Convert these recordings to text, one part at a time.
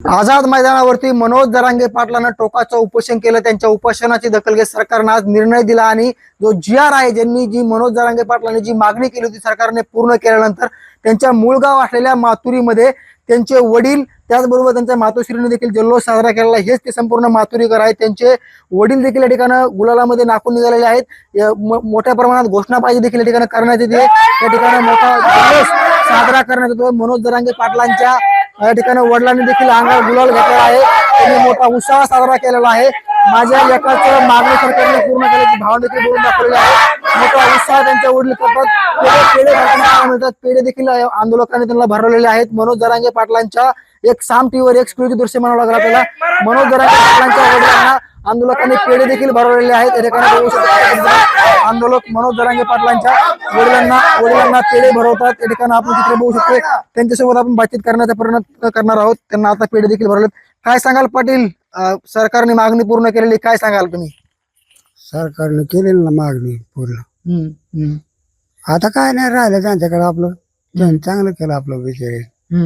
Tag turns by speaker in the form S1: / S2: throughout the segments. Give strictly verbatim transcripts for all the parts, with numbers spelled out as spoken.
S1: आझाद मैदानावरती मनोज जरांगे पाटलांना टोकाचं उपोषण केलं। त्यांच्या उपोषणाची दखल घेत सरकारने आज निर्णय दिला आणि जो जी आर आहे, ज्यांनी जी मनोज जरांगे पाटलांनी जी मागणी केली होती सरकारने पूर्ण केल्यानंतर त्यांच्या मूळ गाव असलेल्या माथुरीमध्ये त्यांचे वडील त्याचबरोबर त्यांच्या मातोश्रीने देखील जल्लोष साजरा केलेला। हेच ते संपूर्ण माथुरीकर आहेत। त्यांचे वडील देखील या ठिकाणी गुलालामध्ये नाकून निघालेले आहेत। मोठ्या प्रमाणात घोषणाबाजी देखील या ठिकाणी करण्यात येते। या ठिकाणी मोठा जल्लोष साजरा करण्यात येतो। मनोज जरांगे पाटलांच्या या ठिकाणी वडिलांनी देखील अंगावर गुलाल घेतलेला आहे। त्यांनी मोठा उत्साह साजरा केलेला आहे। माझ्या लेकाचं मागणी सरकारने पूर्ण केल्याची भावना देखील बोलून दाखवलेली आहे। मोठा उत्साह त्यांच्या वडील करतात। पेढे भरताना मिळतात, पेढे देखील आंदोलकांनी त्यांना भरवलेले आहेत। मनोज जरांगे पाटलांच्या एक साम टीव्हीवर एक्सक्लुझिव्ह दृश्य म्हणावं लागलं आपल्याला। मनोज जरांगे पाटलांच्या वडिलांना आंदोलकांनी पेढे देखील भरवलेले आहेत। या ठिकाणी बघू शकतो आंदोलक मनोज जरांगे पाटलांच्या वडिलांना वडिलांना पेढे भरवतात। या ठिकाणी आपण चित्र बघू शकतो। त्यांच्यासोबत आपण बातचीत करण्याचा प्रयत्न करणार आहोत। त्यांना आता पेढे देखील भरवलेत। काय सांगाल पाटील, सरकारने मागणी पूर्ण केलेली, काय सांगाल तुम्ही?
S2: सरकारने केलेली ना मागणी पूर्ण। आता काय नाही राहिलं त्यांच्याकडे, आपलं त्यांनी चांगलं केलं आपलं विषय।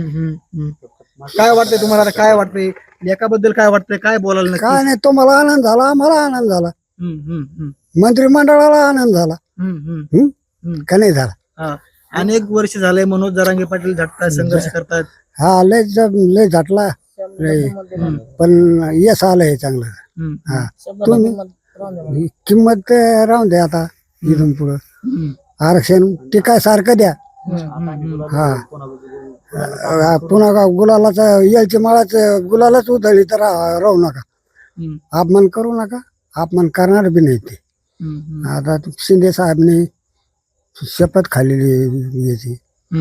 S1: काय वाटतंय तुम्हाला? काय वाटतंय लेकाबद्दल? काय वाटतंय? काय बोलायला?
S2: काय नाही, तुम्हाला आनंद झाला, आम्हाला आनंद झाला, मंत्रिमंडळाला आनंद झाला, का नाही झाला?
S1: अनेक वर्ष झाले मनोज जरांगे पाटील झटतात, संघर्ष करतात।
S2: हा, लय लय झटला लय, पण यश आलंय चांगलं। हा, तुम्ही किंमत राहून द्या आता इथून पुढं। आरक्षण ते काय सारखं द्या। हा, पुन्हा गुलालाचा यायची माळाच गुलालाच उधळली तर राहू नका, अपमान करू नका, अपमान करणार बी नाही ते। आता शिंदे साहेबने शपथ खाल्लेली याची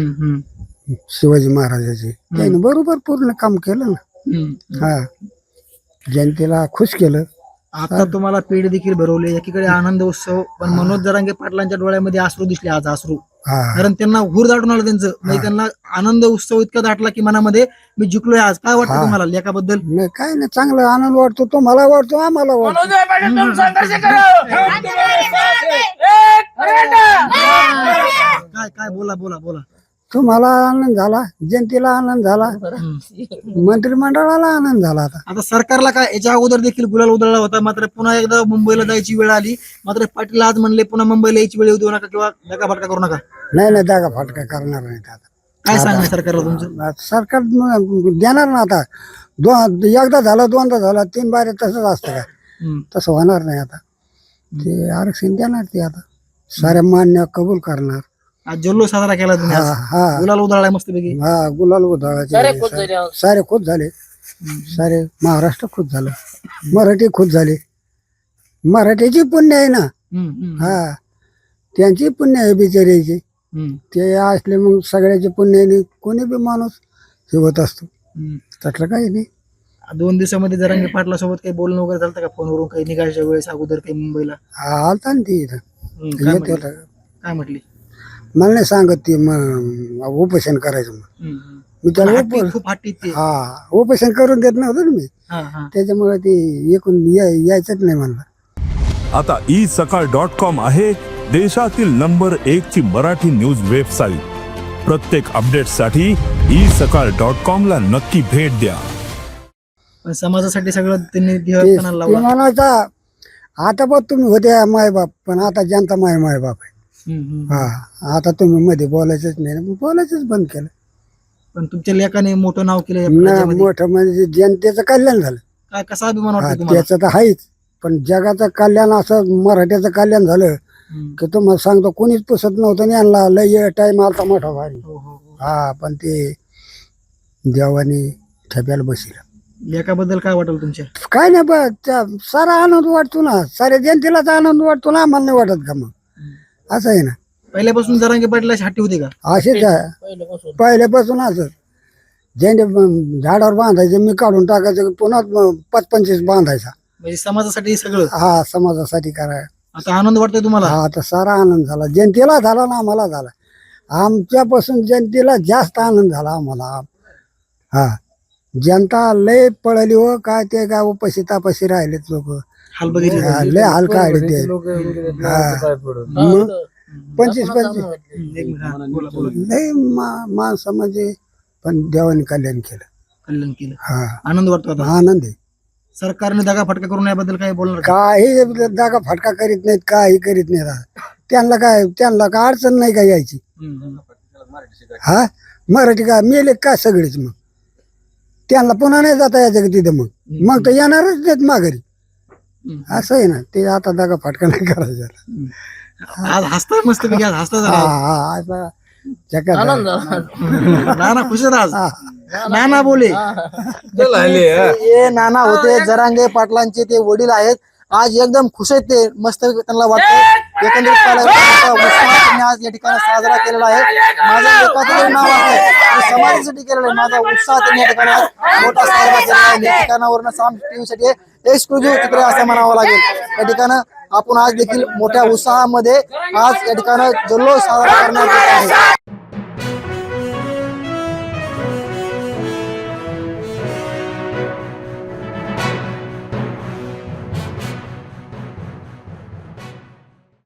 S2: शिवाजी महाराजाची, त्याने बरोबर पूर्ण काम केलं ना। हा, जनतेला खुश केलं।
S1: आता तुम्हाला पेढे देखील भरवले, एकीकडे आनंद उत्सव, पण मनोज जरांगे पाटलांच्या डोळ्यामध्ये अश्रू दिसले आज, अश्रू। कारण त्यांना हुर दाटून आलं त्यांचं, म्हणजे त्यांना आनंद उत्सव इतका दाटला की मनामध्ये मी जिंकलोय आज। काय वाटतं तुम्हाला लेकाबद्दल?
S2: नाही, काय नाही, चांगलं आनंद वाटतो, तो मला वाटतो, आम्हाला वाटतो।
S1: काय काय बोला बोला बोला
S2: तुम्हाला आनंद झाला, जनतेला आनंद झाला, मंत्रिमंडळाला आनंद झाला। आता
S1: आता सरकारला काय, याच्या अगोदर देखील गुलाल उधळला होता, मात्र पुन्हा एकदा मुंबईला जायची वेळ आली। मात्र पाटील आज म्हणले पुन्हा मुंबईला यायची वेळ येऊ नका किंवा धक्का फटका करू नका।
S2: नाही नाही, दागा फाटका करणार नाही आता।
S1: काय सांगणार सरकारला तुमचं?
S2: सरकार देणार ना आता, दोन एकदा झालं, दोनदा झालं, तीन बारे तसंच असतं का? तसं होणार नाही आता। ते आरक्षण देणार ते आता, साऱ्या मान्य कबूल करणार।
S1: आज जल्लोष साजरा केला तुम्ही,
S2: हा,
S1: गुलाल उधळलाय मस्तपैकी।
S2: हा, गुलाल उधळायचे सारे खुश झाले, सारे महाराष्ट्र खुश झालं, मराठी खुश झाले। मराठीची पुण्य आहे ना। हा, त्यांची पुण्य आहे बिचाऱ्याची, ते असले मग सगळ्याचे पुण्याने कोणी बी माणूस हे होत असतो, त्यातलं काही नाही।
S1: दोन दिवसामध्ये जरांगे पाटला सोबत काही बोलणं वगैरे झालं का फोनवरून, काही निघायच्या वेळेस अगोदर काही मुंबईला?
S2: आलता ना ती इथं,
S1: काय म्हटली?
S2: मला नाही सांगत ती उपोषण करायचं, मी त्याला
S1: खूप हट्टी ते.
S2: हा, उपोषण करून देत नव्हतं ना मी, त्याच्यामुळे ती एकूण यायचंच नाही म्हणलं।
S3: आता ई सकाळ डॉट कॉम आहे देशातील नंबर एक ची मराठी न्यूज वेबसाईट। प्रत्येक अपडेटसाठी ई सकाळ डॉट कॉम ला नक्की भेट द्या।
S1: पण समाजासाठी सगळं त्यांनी
S2: म्हणायचा, आता बघ तुम्ही होते मायबाप, पण आता जनता माय मायबाप आहे। हा, आता तुम्ही मध्ये बोलायचंच नाही, बोलायचंच बंद केलं।
S1: पण तुमच्या लेखाने मोठं नाव केलं,
S2: मोठं म्हणजे जनतेचं कल्याण झालं।
S1: काय, कसा अभिमान वाटतो तुम्हाला?
S2: त्याचं तर आहेच, पण जगाचं कल्याण असं मराठ्याचं कल्याण झालं की तुम्हाला सांगतो कोणीच पुसत नव्हतं, यांना लय टाइम आलता मोठा भारी। हा, पण ते देवाने ठेप्याला बसला।
S1: लेखाबद्दल काय वाटेल तुमच्या?
S2: काय नाही, बस सारा आनंद वाटतो ना, साऱ्या जनतेलाच आनंद वाटतो ना, आम्हाला नाही वाटत का? मग असं आहे ना।
S1: पहिल्यापासून जरांगे पाटलाची हट्टी होती का?
S2: असेच आहे, पहिल्यापासून असं ज्यांनी झाडावर बांधायचे मी काढून टाकायचं, पुन्हा पाच पंचवीस बांधायचा,
S1: म्हणजे समाजासाठी सगळं।
S2: हा, समाजासाठी कराय।
S1: आता आनंद वाटतोय तुम्हाला?
S2: हा, आता सारा आनंद झाला, जनतेला झाला ना, आम्हाला झाला, आमच्यापासून जनतेला जास्त आनंद झाला आम्हाला। हा, जनता लय पळली हो, काय ते काय उपाशी तापाशी राहिलेत लोक,
S1: हाल बघितले,
S2: लय हाल काढले ते। पंचवीस पंचवीस लय माणसं म्हणजे, पण देवाने कल्याण केलं।
S1: कल्याण केलं.
S2: हा
S1: आनंद वाटतो आता.
S2: आनंद आहे.
S1: सरकारने दगा फटका करून याबद्दल काय बोलणार का?
S2: काही जागा फटका करीत नाहीत, काही करीत नाहीत. त्यांना काय त्यांना काय अडचण नाही का यायची.
S1: हम्म, हम्म.
S2: हा मराठी काय मेले काय सगळेच, मग त्यांना पुन्हा नाही जाता यायचं का तिथं, मग मग तर येणारच नाहीत माघारी.
S1: हम्म.
S2: असं आहे ना ते. आता जागा फटका नाही करायचा.
S1: आज हसताय मस्त पैकी, आज हसता
S2: हा
S1: जरा.
S2: हा आता जगात
S1: नाना खुश आहेत आज.
S2: हा.
S1: नाना बोले. हे नाना होते जरांगे पाटलांचे ते वडील आहेत. आज एकदम खुश आहेत ते. मस्त त्यांना वाटतं एकंदरीत पाहायला गेलं तर मोठा उत्साह त्यांनी आज या ठिकाणी साजरा केलेला आहे. माझं एकाचं नाव आहे मी समाजासाठी केलेलं आहे. माझा उत्साह त्यांनी या ठिकाणी आज मोठा साजरा केलेला आहे. या ठिकाणावरून साम टीव्हीसाठी एक्सक्लुझिव्ह चित्र असं म्हणावं लागेल. या ठिकाणं आपण आज देखील मोठ्या उत्साहामध्ये आज या ठिकाणं जल्लोष साजरा करण्यात येत आहे.